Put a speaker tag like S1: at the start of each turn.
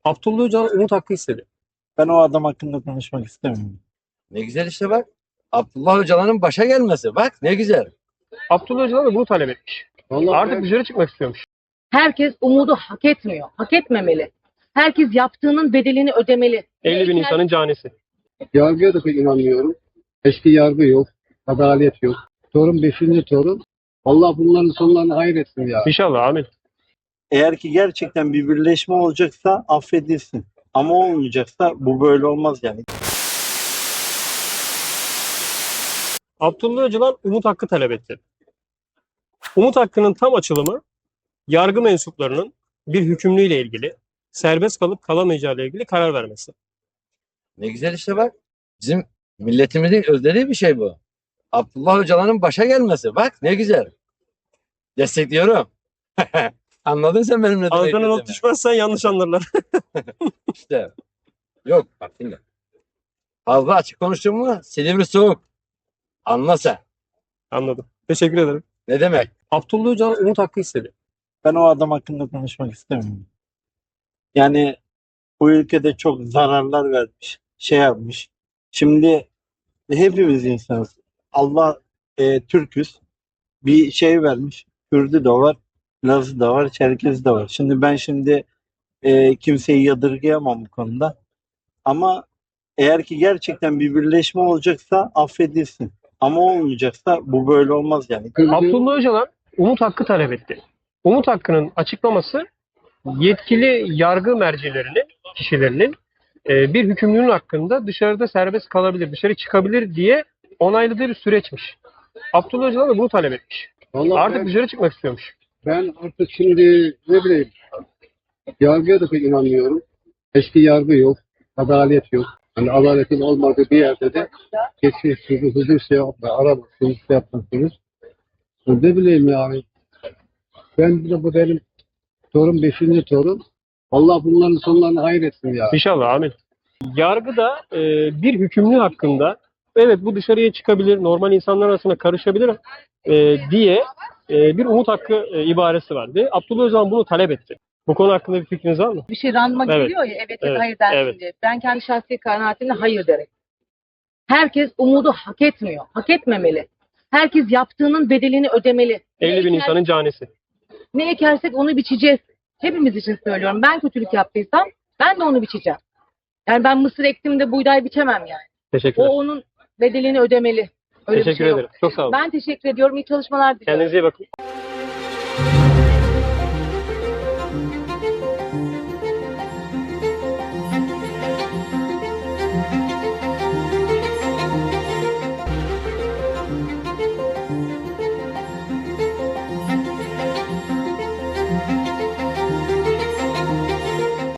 S1: Abdullah Öcalan umut hakkı istedi.
S2: Ben o adam hakkında konuşmak istemiyorum.
S3: Ne güzel işte bak. Abdullah Öcalan'ın başa gelmesi. Bak ne güzel.
S1: Abdullah Öcalan da bunu talep etmiş. Artık dışarı çıkmak istiyormuş.
S4: Herkes umudu hak etmiyor. Hak etmemeli. Herkes yaptığının bedelini ödemeli.
S1: 50 bin insanın canisi.
S5: Yargıya da pek inanmıyorum. Eski yargı yok. Adalet yok. Torun 5. torun. Allah bunların sonlarını hayretsin ya.
S1: İnşallah amin.
S2: Eğer ki gerçekten bir birleşme olacaksa affedilsin. Ama olmayacaksa bu böyle olmaz yani.
S1: Abdullah Öcalan umut hakkı talep etti. Umut hakkının tam açılımı yargı mensuplarının bir hükümlüyle ilgili serbest kalıp kalamayacağı ile ilgili karar vermesi.
S3: Ne güzel işte bak. Bizim milletimizin özlediği bir şey bu. Abdullah Öcalan'ın başa gelmesi. Bak ne güzel. Destekliyorum. Anladın sen benim ne demek
S1: Ağzına
S3: istediğimi.
S1: not düşmezsen yanlış anlarlar.
S3: İşte. Yok bak dinle. Fazla açık konuştun mu Silivri soğuk. Anla sen.
S1: Anladım. Teşekkür ederim.
S3: Ne demek?
S1: Abdullah Öcalan umut hakkı istedi.
S2: Ben o adam hakkında konuşmak istemiyorum. Yani bu ülkede çok zararlar vermiş. Şey yapmış. Şimdi hepimiz insanız. Allah Türküz. Bir şey vermiş. Kürdü de var. Lazı da var. Çerkezi de var. Şimdi ben kimseyi yadırgayamam bu konuda. Ama eğer ki gerçekten bir birleşme olacaksa affedilsin. Ama olmayacaksa bu böyle olmaz yani.
S1: Abdullah Öcalan umut hakkı talep etti. Umut hakkının açıklaması yetkili yargı mercilerinin, kişilerinin bir hükümlünün hakkında dışarıda serbest kalabilir, dışarı çıkabilir diye onayladığı bir süreçmiş. Abdullah Öcalan da bunu talep etmiş.
S5: Vallahi
S1: Artık dışarı çıkmak istiyormuş.
S5: ben artık şimdi ne bileyim yargıya da pek inanmıyorum. Eski yargı yok. Adalet yok. Hani adaletin olmadığı bir yerde de geçmişsiniz, huzur şey aramazsınız, şey yapmazsınız. Ne bileyim yani. Ben de bu benim torun 5. torun. Allah bunların sonlarını hayretsin ya.
S1: İnşallah amin. Yargıda bir hükümlü hakkında evet bu dışarıya çıkabilir, normal insanlar arasında karışabilir diye bir umut hakkı ibaresi var. Ve Abdullah Öcalan bunu talep etti. Bu konu hakkında bir fikriniz var mı?
S4: Bir şey randıma
S1: Evet.
S4: geliyor ya evet, ya
S1: Evet,
S4: hayır dersin
S1: evet.
S4: diye. Ben kendi şahsi kanaatimle hayır derim. Herkes umudu hak etmiyor. Hak etmemeli. Herkes yaptığının bedelini ödemeli.
S1: 50 bin insanın canisi.
S4: Ne ekersek onu biçeceğiz. Hepimiz için söylüyorum. Ben kötülük yaptıysam ben de onu biçeceğim. Yani ben mısır ektim de buğday biçemem yani.
S1: Teşekkürler.
S4: O onun bedelini ödemeli. Öyle bir
S1: Teşekkür
S4: şey yok.
S1: ederim. Çok sağ olun.
S4: Ben teşekkür ediyorum. İyi çalışmalar diliyorum.
S1: Kendinize iyi bakın.